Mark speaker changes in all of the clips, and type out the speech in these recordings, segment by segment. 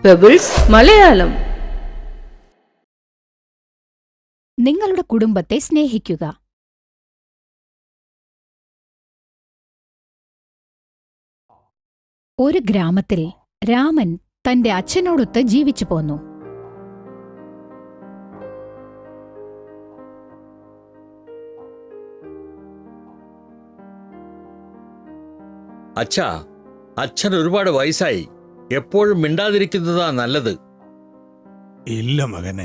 Speaker 1: Pebbles Malayalam.
Speaker 2: നിങ്ങളുടെ കുടുംബത്തെ സ്നേഹിക്കുക. ഒരു ഗ്രാമത്തിൽ രാമൻ തന്റെ അച്ഛനോടൊത്ത് ജീവിച്ചു പോന്നു.
Speaker 3: അച്ഛാ, അച്ഛൻ ഒരുപാട് വയസ്സായി. എപ്പോഴും മിണ്ടാതിരിക്കുന്നതാ നല്ലത്.
Speaker 4: ഇല്ല മകനെ,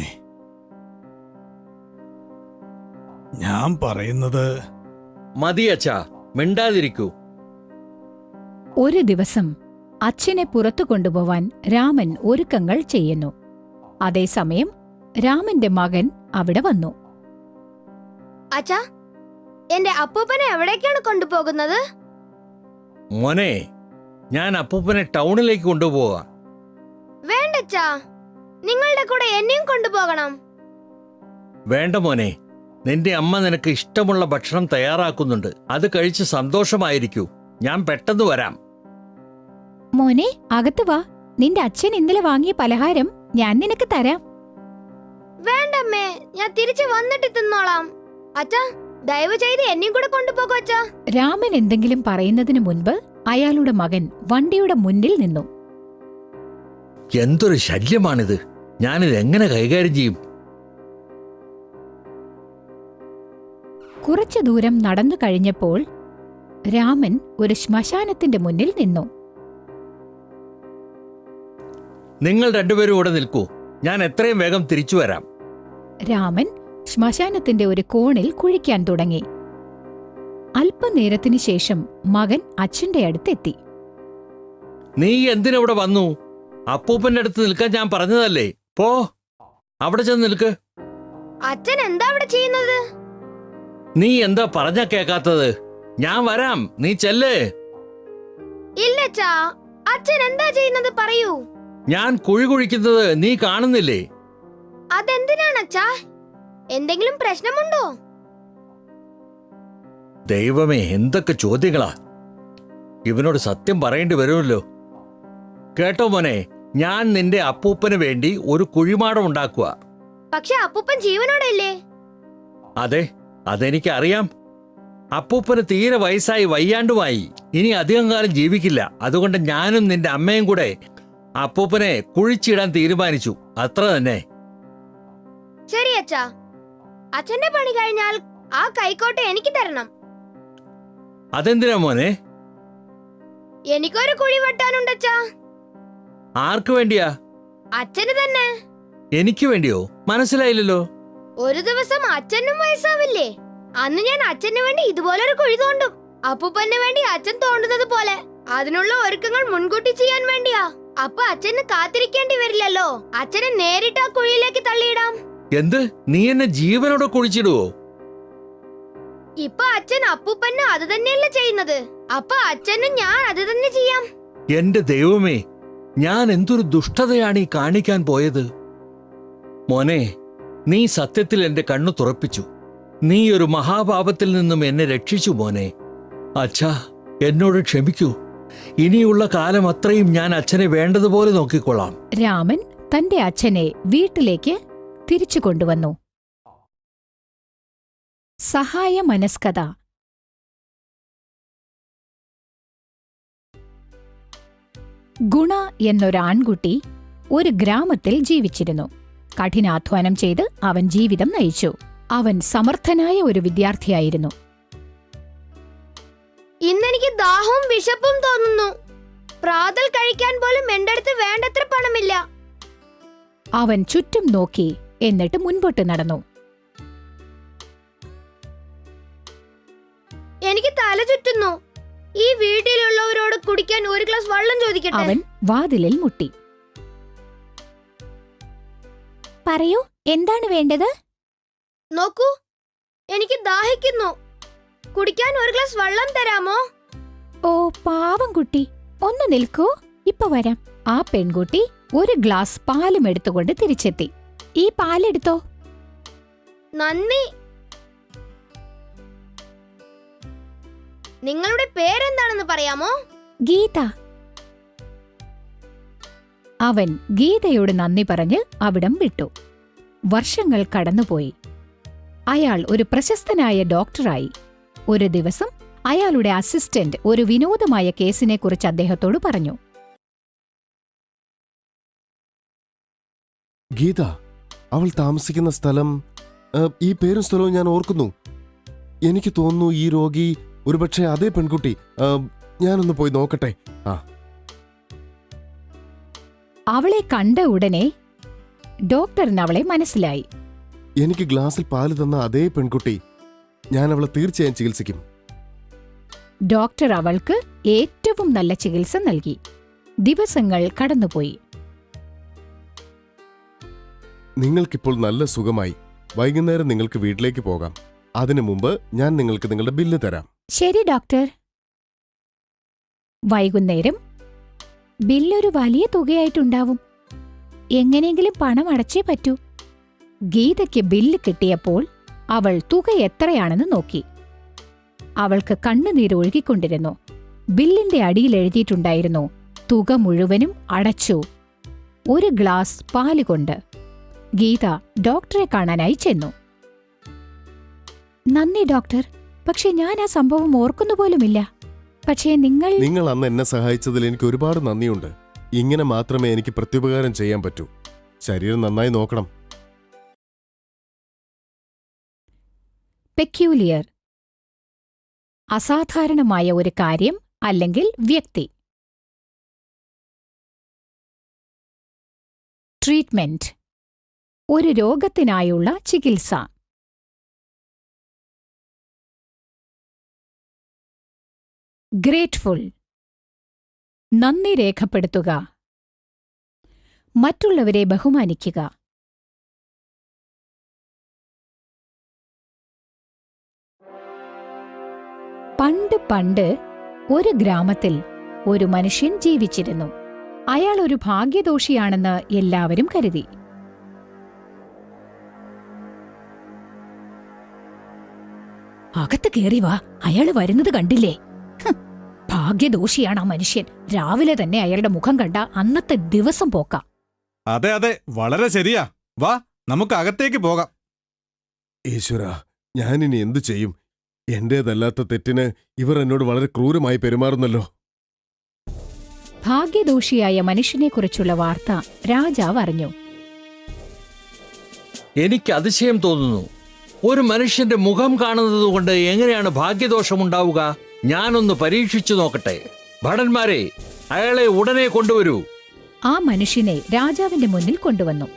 Speaker 4: ഞാൻ പറയുന്നത്
Speaker 3: മതി അച്ഛാ, മിണ്ടാതിരിക്കൂ.
Speaker 2: ഒരു ദിവസം അച്ഛനെ പുറത്തു കൊണ്ടുപോവാൻ രാമൻ ഒരുക്കങ്ങൾ ചെയ്യുന്നു. അതേസമയം രാമന്റെ മകൻ അവിടെ വന്നു.
Speaker 5: അച്ഛാ, എന്റെ അപ്പൂപ്പനെ എവിടേക്കാണ് കൊണ്ടുപോകുന്നത്?
Speaker 3: മോനെ, ഞാൻ അപ്പൂപ്പനെ ടൗണിലേക്ക് കൊണ്ടുപോവാ.
Speaker 5: വേണ്ടച്ചാ, നിങ്ങളുടെ കൂടെ എന്നെയും കൊണ്ടുപോകണം.
Speaker 3: വേണ്ട മോനെ, നിന്റെ അമ്മ നിനക്ക് ഇഷ്ടമുള്ള ഭക്ഷണം തയ്യാറാക്കുന്നുണ്ട്. അത് കഴിച്ച് സന്തോഷമായിരിക്കൂ. ഞാൻ പെട്ടെന്ന് വരാം.
Speaker 2: മോനെ, അകത്ത് വാ. നിന്റെ അച്ഛൻ ഇന്നലെ വാങ്ങിയ പലഹാരം ഞാൻ നിനക്ക് തരാം.
Speaker 5: വേണ്ടമ്മേ, ഞാൻ തിരിച്ചു വന്നിട്ട് തിന്നോളാം. അച്ഛാ, ദയവ് ചെയ്ത് എന്നെയും കൂടെ കൊണ്ടുപോകൂ അച്ഛാ.
Speaker 2: രാമൻ എന്തെങ്കിലും പറയുന്നതിനു മുൻപ് അയാളുടെ മകൻ വണ്ടിയുടെ മുന്നിൽ നിന്നു.
Speaker 3: എന്തൊരു ശല്യമാണിത്! ഞാനിത് എങ്ങനെ കൈകാര്യം ചെയ്യും?
Speaker 2: കുറച്ചു ദൂരം നടന്നു കഴിഞ്ഞപ്പോൾ രാമൻ ഒരു ശ്മശാനത്തിന്റെ മുന്നിൽ നിന്നു.
Speaker 3: നിങ്ങൾ രണ്ടുപേരും ഇവിടെ നിൽക്കൂ. ഞാൻ എത്രയും വേഗം തിരിച്ചു വരാം.
Speaker 2: രാമൻ ശ്മശാനത്തിന്റെ ഒരു കോണിൽ കുഴിക്കാൻ തുടങ്ങി. അല്പനേരത്തിനു ശേഷം മകൻ അച്ഛന്റെ അടുത്തെത്തി.
Speaker 3: നീ എന്തിനവിടെ വന്നു? അപ്പൂപ്പന്റെ അടുത്ത് നിൽക്കാൻ ഞാൻ പറഞ്ഞതല്ലേ. പോ, അവിടെ ചെന്ന് നിൽക്ക്.
Speaker 5: അച്ഛൻ എന്താ അവിടെ ചെയ്യുന്നത്?
Speaker 3: നീ എന്താ പറഞ്ഞ കേക്കാത്തത്? ഞാൻ വരാം, നീ ചെല്ലേ.
Speaker 5: ഇല്ലച്ചാ, അച്ഛൻ എന്താ ചെയ്യുന്നത് പറയൂ.
Speaker 3: ഞാൻ കുഴി കുഴിക്കുന്നത് നീ കാണുന്നില്ലേ?
Speaker 5: അതെന്തിനാണച്ചാ? എന്തെങ്കിലും പ്രശ്നമുണ്ടോ?
Speaker 3: ദൈവമേ, എന്തൊക്കെ ചോദ്യങ്ങളാ! ഇവനോട് സത്യം പറയേണ്ടി വരുമല്ലോ. കേട്ടോ മോനെ, ഞാൻ നിന്റെ അപ്പൂപ്പന് വേണ്ടി ഒരു കുഴിമാടം ഉണ്ടാക്കുക.
Speaker 5: പക്ഷെ അപ്പൂപ്പൻ ജീവനോടെ ഇല്ലേ?
Speaker 3: അതെ, അതെനിക്ക് അറിയാം. അപ്പൂപ്പന് തീരെ വയസ്സായി വയ്യാണ്ടുമായി. ഇനി അധികം കാലം ജീവിക്കില്ല. അതുകൊണ്ട് ഞാനും നിന്റെ അമ്മയും കൂടെ അപ്പൂപ്പനെ കുഴിച്ചിടാൻ തീരുമാനിച്ചു. അത്ര തന്നെ.
Speaker 5: ശരി അച്ഛാ, അച്ഛന്റെ പണി കഴിഞ്ഞാൽ ആ കൈക്കോട്ട് എനിക്ക് തരണം.
Speaker 3: അതെന്തിനാ മോനെ?
Speaker 5: എനിക്കൊരു കുഴി വെട്ടാനുണ്ടച്ചാ.
Speaker 3: ആർക്കു വേണ്ടിയാ?
Speaker 5: അച്ഛന് തന്നെ.
Speaker 3: എനിക്ക് വേണ്ടിയോ? മനസ്സിലായില്ലല്ലോ.
Speaker 5: ഒരു ദിവസം അച്ഛനും വയസ്സാവില്ലേ? അന്ന് ഞാൻ അച്ഛന് വേണ്ടി ഇതുപോലൊരു കുഴി തോണ്ടും. അപ്പൂപ്പന് വേണ്ടി അച്ഛൻ തോണ്ടുന്നത് പോലെ. അതിനുള്ള ഒരുക്കങ്ങൾ മുൻകൂട്ടി ചെയ്യാൻ വേണ്ടിയാ. അപ്പൊ അച്ഛന് കാത്തിരിക്കേണ്ടി വരില്ലല്ലോ. അച്ഛനെ നേരിട്ട് ആ കുഴിയിലേക്ക് തള്ളിയിടാം.
Speaker 3: എന്ത്? നീ എന്നെ ജീവനോടെ കുഴിച്ചിടുവോ?
Speaker 5: ഇപ്പൊ അച്ഛൻ അപ്പൂപ്പന് അത് തന്നെയല്ലേ ചെയ്യുന്നത്. അപ്പൊ അച്ഛനും ഞാൻ അത് തന്നെ ചെയ്യാം.
Speaker 3: എന്റെ ദൈവമേ, ഞാൻ എന്തൊരു ദുഷ്ടതയാണ് ഈ കാണിക്കാൻ പോയത്. മോനെ, നീ സത്യത്തിൽ എന്റെ കണ്ണു തുറപ്പിച്ചു. നീ ഒരു മഹാപാപത്തിൽ നിന്നും എന്നെ രക്ഷിച്ചു മോനെ. അച്ഛാ, എന്നോട് ക്ഷമിക്കൂ. ഇനിയുള്ള കാലം അത്രയും ഞാൻ അച്ഛനെ വേണ്ടതുപോലെ നോക്കിക്കൊള്ളാം.
Speaker 2: രാമൻ തന്റെ അച്ഛനെ വീട്ടിലേക്ക് തിരിച്ചു കൊണ്ടുവന്നു. സഹായ മനസ്കത. ഗുണ എന്നൊരാൺകുട്ടി ഒരു ഗ്രാമത്തിൽ ജീവിച്ചിരുന്നു. കഠിനാധ്വാനം ചെയ്ത് അവൻ ജീവിതം നയിച്ചു. അവൻ സമർത്ഥനായ ഒരു വിദ്യാർത്ഥിയായിരുന്നു.
Speaker 5: ഇന്നെനിക്ക് ദാഹവും വിശപ്പും തോന്നുന്നു. പ്രാതൽ കഴിക്കാൻ പോലും എന്റെ അടുത്ത് വേണ്ടത്ര പണമില്ല.
Speaker 2: അവൻ ചുറ്റും നോക്കി, എന്നിട്ട് മുൻപോട്ട് നടന്നു.
Speaker 5: എനിക്ക് തല ചുറ്റുന്നു. ഈ വീട്ടിലുള്ളവരോട് കുടിക്കാൻ ഒരു ഗ്ലാസ് വെള്ളം ചോദിക്കട്ടെ?
Speaker 2: അവൻ വാതിലിൽ മുട്ടി. പറയൂ, എന്താണ് വേണ്ടത്?
Speaker 5: നോക്കൂ, എനിക്ക് ദാഹിക്കുന്നു. കുടിക്കാൻ ഒരു ഗ്ലാസ് വെള്ളം തരാമോ?
Speaker 2: ഓ പാവം കുട്ടി, ഒന്ന് നിൽക്കൂ, ഇപ്പൊ വരാം. ആ പെൺകുട്ടി ഒരു ഗ്ലാസ് പാലും എടുത്തുകൊണ്ട് തിരിച്ചെത്തി. ഈ പാലെടുത്തോ.
Speaker 5: നന്ദി. നിങ്ങളുടെ പേരെന്താണെന്ന് പറയാമോ?
Speaker 2: ഗീത. അവൻ ഗീതയോട് നന്ദി പറഞ്ഞ് അവിടം വിട്ടു. വർഷങ്ങൾ കടന്നുപോയി. അയാൾ ഒരു പ്രശസ്തനായ ഡോക്ടറായി. ഒരു ദിവസം അയാളുടെ അസിസ്റ്റന്റ് ഒരു വിനോദമായ കേസിനെക്കുറിച്ച് അദ്ദേഹത്തോട് പറഞ്ഞു.
Speaker 1: ഗീത, അവൾ താമസിക്കുന്ന സ്ഥലം, ഈ പേരും സ്ഥലവും ഞാൻ ഓർക്കുന്നു. എനിക്ക് തോന്നുന്നു ഈ രോഗി ഒരുപക്ഷെ അതേ പെൺകുട്ടി. ഞാനൊന്ന് പോയി നോക്കട്ടെ.
Speaker 2: അവളെ കണ്ട ഉടനെ ഡോക്ടറിന് അവളെ മനസ്സിലായി.
Speaker 1: എനിക്ക് ഗ്ലാസ്സിൽ പാല് തന്ന അതേ പെൺകുട്ടി. ഞാൻ അവളെ തീർച്ചയായും ചികിത്സിക്കും.
Speaker 2: ഡോക്ടർ അവൾക്ക് ഏറ്റവും നല്ല ചികിത്സ നൽകി. ദിവസങ്ങൾ കടന്നുപോയി.
Speaker 1: നിങ്ങൾക്കിപ്പോൾ നല്ല സുഖമായി. വൈകുന്നേരം നിങ്ങൾക്ക് വീട്ടിലേക്ക് പോകാം. അതിനു മുമ്പ് ഞാൻ നിങ്ങൾക്ക് നിങ്ങളുടെ ബില്ല് തരാം.
Speaker 2: ശരി ഡോക്ടർ. വൈകുന്നേരം ബില്ലൊരു വലിയ തുകയായിട്ടുണ്ടാവും. എങ്ങനെയെങ്കിലും പണം അടച്ചേ പറ്റൂ. ഗീതയ്ക്ക് ബില്ല് കിട്ടിയപ്പോൾ അവൾ തുക എത്രയാണെന്ന് നോക്കി. അവൾക്ക് കണ്ണുനീരൊഴുകിക്കൊണ്ടിരുന്നു. ബില്ലിന്റെ അടിയിൽ എഴുതിയിട്ടുണ്ടായിരുന്നു, തുക മുഴുവനും അടച്ചു, 1 ഗ്ലാസ് പാലുകൊണ്ട്. ഗീത ഡോക്ടറെ കാണാനായി ചെന്നു. നന്ദി ഡോക്ടർ, പക്ഷെ ഞാൻ ആ സംഭവം ഓർക്കുന്നുപോലുമില്ല. പക്ഷേ നിങ്ങൾ
Speaker 1: അന്ന് എന്നെ സഹായിച്ചതിൽ എനിക്ക് ഒരുപാട് നന്ദിയുണ്ട്. ഇങ്ങനെ മാത്രമേ എനിക്ക് പ്രത്യുപകാരം ചെയ്യാൻ പറ്റൂ. ശരീരം നന്നായി നോക്കണം.
Speaker 2: പെക്യൂലിയർ, അസാധാരണമായ ഒരു കാര്യം അല്ലെങ്കിൽ വ്യക്തി. ട്രീറ്റ്മെന്റ്, ഒരു രോഗത്തിനായുള്ള ചികിത്സ. ഗ്രേറ്റ്ഫുൾ, നന്ദി രേഖപ്പെടുത്തുക, മറ്റുള്ളവരെ ബഹുമാനിക്കുക. പണ്ട് ഒരു ഗ്രാമത്തിൽ ഒരു മനുഷ്യൻ ജീവിച്ചിരുന്നു. അയാൾ ഒരു ഭാഗ്യദോഷിയാണെന്ന് എല്ലാവരും കരുതി. അകത്ത് കേറി വാ, അയാള് വരുന്നത് കണ്ടില്ലേ? ഭാഗ്യദോഷിയാണ് ആ മനുഷ്യൻ. രാവിലെ തന്നെ അയാളുടെ മുഖം കണ്ട അന്നത്തെ ദിവസം പോക്കാം.
Speaker 6: അതെ അതെ, വളരെ ശരിയാ. വാ, നമുക്ക് അകത്തേക്ക് പോകാം.
Speaker 1: ഈശ്വര, ഞാനിനി എന്തു ചെയ്യും? എന്റേതല്ലാത്ത തെറ്റിന് ഇവർ എന്നോട് വളരെ ക്രൂരമായി പെരുമാറുന്നല്ലോ.
Speaker 2: ഭാഗ്യദോഷിയായ മനുഷ്യനെക്കുറിച്ചുള്ള വാർത്ത രാജാവ് അറിഞ്ഞു.
Speaker 3: എനിക്ക് അതിശയം തോന്നുന്നു. ഒരു മനുഷ്യന്റെ മുഖം കാണുന്നതുകൊണ്ട് എങ്ങനെയാണ് ഭാഗ്യദോഷമുണ്ടാവുക? ഞാനൊന്ന് പരീക്ഷിച്ചു നോക്കട്ടെ. ഭടന്മാരെ, അയാളെ ഉടനെ കൊണ്ടുവരൂ.
Speaker 2: ആ മനുഷ്യനെ രാജാവിന്റെ മുന്നിൽ കൊണ്ടുവന്നു.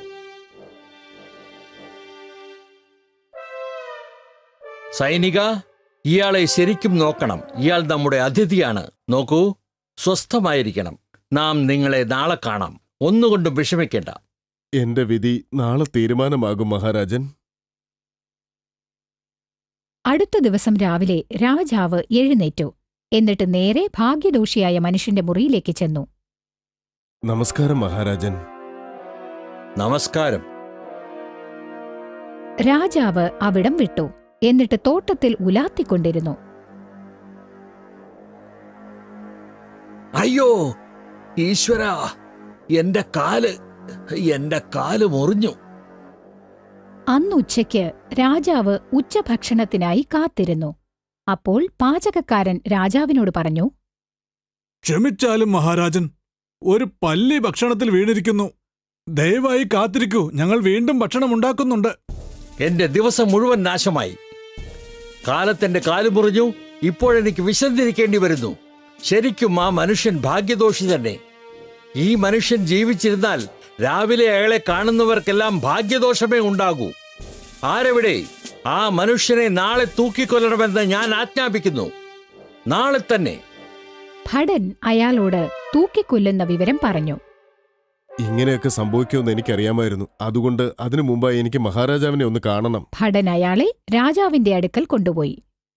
Speaker 3: സൈനിക, ഇയാളെ ശരിക്കും നോക്കണം. ഇയാൾ നമ്മുടെ അതിഥിയാണ്. നോക്കൂ, സ്വസ്ഥമായിരിക്കണം. നാം നിങ്ങളെ നാളെ കാണാം. ഒന്നുകൊണ്ടും വിഷമിക്കേണ്ട.
Speaker 1: എന്റെ വിധി നാളെ തീരുമാനമാകും മഹാരാജൻ.
Speaker 2: അടുത്ത ദിവസം രാവിലെ രാജാവ് എഴുന്നേറ്റു. എന്നിട്ട് നേരെ ഭാഗ്യദോഷിയായ മനുഷ്യന്റെ മുറിയിലേക്ക് ചെന്നു.
Speaker 1: നമസ്കാരം മഹാരാജൻ.
Speaker 3: നമസ്കാരം.
Speaker 2: രാജാവ് അവിടം വിട്ടു. എന്നിട്ട് തോട്ടത്തിൽ ഉലാത്തിക്കൊണ്ടിരുന്നു.
Speaker 3: അയ്യോ ഈശ്വരാ, എന്റെ കാല് മുറിഞ്ഞു.
Speaker 2: അന്നുച്ചയ്ക്ക് രാജാവ് ഉച്ചഭക്ഷണത്തിനായി കാത്തിരുന്നു. അപ്പോൾ പാചകക്കാരൻ രാജാവിനോട് പറഞ്ഞു,
Speaker 4: ക്ഷമിച്ചാലും മഹാരാജൻ, ഒരു പല്ലി ഭക്ഷണത്തിൽ വീണിരിക്കുന്നു. ദയവായി കാത്തിരിക്കൂ, ഞങ്ങൾ വീണ്ടും ഭക്ഷണം ഉണ്ടാക്കുന്നുണ്ട്.
Speaker 3: എന്റെ ദിവസം മുഴുവൻ നാശമായി. കാലത്തെന്റെ കാല് മുറിഞ്ഞു. ഇപ്പോഴെനിക്ക് വിശന്നിരിക്കേണ്ടി വരുന്നു. ശരിക്കും ആ മനുഷ്യൻ ഭാഗ്യദോഷി തന്നെ. ഈ മനുഷ്യൻ ജീവിച്ചിരുന്നാൽ രാവിലെ അയാളെ കാണുന്നവർക്കെല്ലാം ഭാഗ്യദോഷമേ ഉണ്ടാകൂ. ആരെവിടെ? ആ മനുഷ്യനെ നാളെ തൂക്കിക്കൊല്ലണമെന്ന് ഞാൻ ആജ്ഞാപിക്കുന്നു. നാളെ തന്നെ.
Speaker 2: ഭടൻ അയാളോട് തൂക്കിക്കൊല്ലുന്ന വിവരം പറഞ്ഞു.
Speaker 1: ഇങ്ങനെയൊക്കെ സംഭവിക്കുമെന്ന് എനിക്കറിയാമായിരുന്നു. അതുകൊണ്ട് അതിനു മുമ്പായി എനിക്ക് മഹാരാജാവിനെ ഒന്ന് കാണണം.
Speaker 2: ഭടൻ അയാളെ രാജാവിന്റെ അടുക്കൽ കൊണ്ടുപോയി.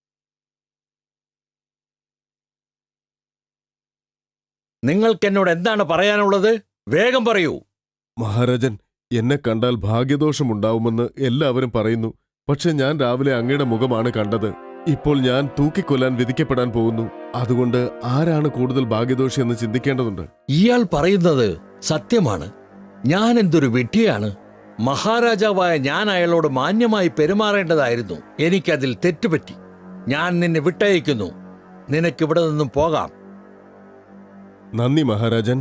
Speaker 3: നിങ്ങൾക്കെന്നോട് എന്താണ് പറയാനുള്ളത്? വേഗം പറയൂ.
Speaker 1: മഹാരാജൻ, എന്നെ കണ്ടാൽ ഭാഗ്യദോഷമുണ്ടാവുമെന്ന് എല്ലാവരും പറയുന്നു. പക്ഷെ ഞാൻ രാവിലെ അങ്ങയുടെ മുഖമാണ് കണ്ടത്. ഇപ്പോൾ ഞാൻ തൂക്കിക്കൊല്ലാൻ വിധിക്കപ്പെടാൻ പോകുന്നു. അതുകൊണ്ട് ആരാണ് കൂടുതൽ ഭാഗ്യദോഷി എന്ന് ചിന്തിക്കേണ്ടതുണ്ട്.
Speaker 3: ഇയാൾ പറയുന്നത് സത്യമാണ്. ഞാൻ എന്തൊരു വിഡ്ഢിയാണ്. മഹാരാജാവായ ഞാൻ അയാളോട് മാന്യമായി പെരുമാറേണ്ടതായിരുന്നു. എനിക്കതിൽ തെറ്റുപറ്റി. ഞാൻ നിന്നെ വിട്ടയക്കുന്നു. നിനക്കിവിടെ നിന്നും പോകാം.
Speaker 1: നന്ദി മഹാരാജൻ.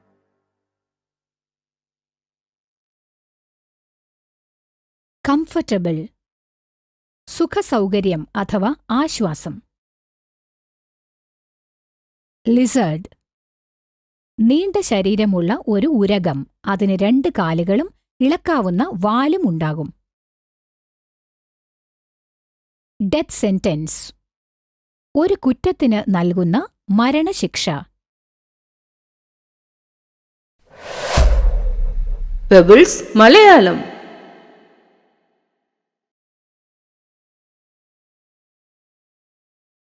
Speaker 2: കംഫർട്ടബിൾ, സുഖസൗകര്യം അഥവാ ആശ്വാസം. ലിസേർഡ്, നീണ്ട ശരീരമുള്ള ഒരു ഉരഗം. അതിന് 2 കാലുകളും ഇളക്കാവുന്ന വാലും ഉണ്ടാകും. ഡെത്ത് സെന്റൻസ്, ഒരു കുറ്റത്തിന് നൽകുന്ന മരണശിക്ഷ.
Speaker 7: പെബിൾസ് മലയാളം.